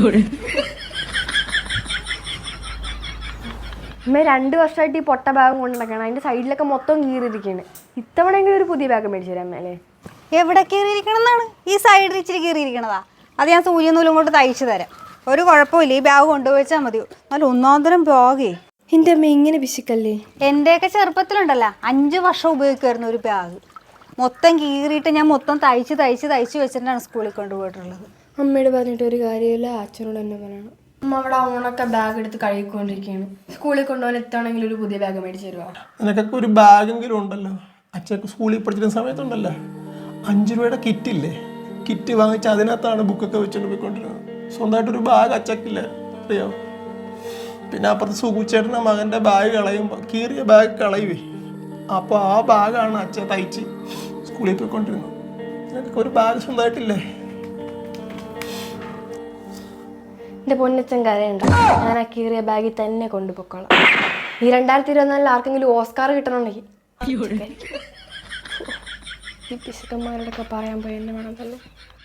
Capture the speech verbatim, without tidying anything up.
അമ്മ രണ്ട് വർഷമായിട്ട് ഈ പൊട്ട ബാഗ് കൊണ്ട് നടക്കണം. അതിന്റെ സൈഡിലൊക്കെ മൊത്തം കീറിയിരിക്കുകയാണ്. ഇത്തവണെങ്കിലും ഒരു പുതിയ ബാഗ് മേടിച്ചു തരാം അല്ലേ? എവിടെ കീറിയിരിക്കണം എന്നാണ്? ഈ സൈഡിൽ ഇച്ചിരി കീറിയിരിക്കണതാ. അത് ഞാൻ സൂചി നൂലും കൊണ്ട് തയ്ച്ചു തരാം. ഒരു കുഴപ്പമില്ല, ഈ ബാഗ് കൊണ്ടുപോയിച്ചാൽ മതി. നല്ല ഒന്നാന്തരം ബാഗേ. എൻ്റെ അമ്മ ഇങ്ങനെ പിശുക്കല്ലേ? എൻ്റെയൊക്കെ ചെറുപ്പത്തിലുണ്ടല്ലോ അഞ്ച് വർഷം ഉപയോഗിക്കുമായിരുന്നു ഒരു ബാഗ്. മൊത്തം കീറിയിട്ട് ഞാൻ മൊത്തം തയ്ച്ച് തയ്ച്ച് തയ്ച്ച് വെച്ചിട്ടാണ് സ്കൂളിൽ കൊണ്ടുപോയിട്ടുള്ളത്. അമ്മയോട് പറഞ്ഞിട്ട് ഒരു കാര്യമില്ല, അച്ഛനോട് തന്നെ പറയണം. അമ്മ അവിടെ ഉണക്ക ബാഗ് എടുത്ത് കഴുകിക്കൊണ്ടിരിക്കുകയാണ്. സ്കൂളിൽ കൊണ്ടുപോകാൻ എത്താണെങ്കിൽ ഒരു പുതിയ ബാഗ് മേടിച്ചു തരുമോ? നിനക്കൊക്കെ ഒരു ബാഗെങ്കിലും ഉണ്ടല്ലോ. അച്ഛക്ക് സ്കൂളിൽ പഠിച്ചിരുന്ന സമയത്തുണ്ടല്ലോ അഞ്ച് രൂപയുടെ കിറ്റില്ലേ, കിറ്റ് വാങ്ങിച്ച് അതിനകത്താണ് ബുക്കൊക്കെ വെച്ചുകൊണ്ട് പോയിക്കൊണ്ടിരുന്നത്. സ്വന്തമായിട്ടൊരു ബാഗ് അച്ചക്കില്ല, അറിയാമോ? പിന്നെ അപ്പുറത്ത് സുഖുച്ചേട്ടൻ്റെ മകൻ്റെ ബാഗ് കളയുമ്പോൾ കീറിയ ബാഗ് കളയുവേ. അപ്പോൾ ആ ബാഗാണ് അച്ഛൻ തയ്ച്ച് സ്കൂളിൽ പോയിക്കൊണ്ടിരുന്നത്. നിനക്കൊക്കെ ഒരു ബാഗ് സ്വന്തമായിട്ടില്ലേ? എൻ്റെ പൊന്നച്ചൻ കരയുണ്ട്. ഞാൻ ആ കീറിയ ബാഗിൽ തന്നെ കൊണ്ടുപോയിക്കോളാം. ഈ രണ്ടായിരത്തി ഇരുപത്തിനാലിൽ ആർക്കെങ്കിലും ഓസ്കാർ കിട്ടണമെങ്കിൽ ഈ പിശുക്കന്മാരോടൊക്കെ പറയാൻ പോയി എന്നെ വേണം തന്നെ.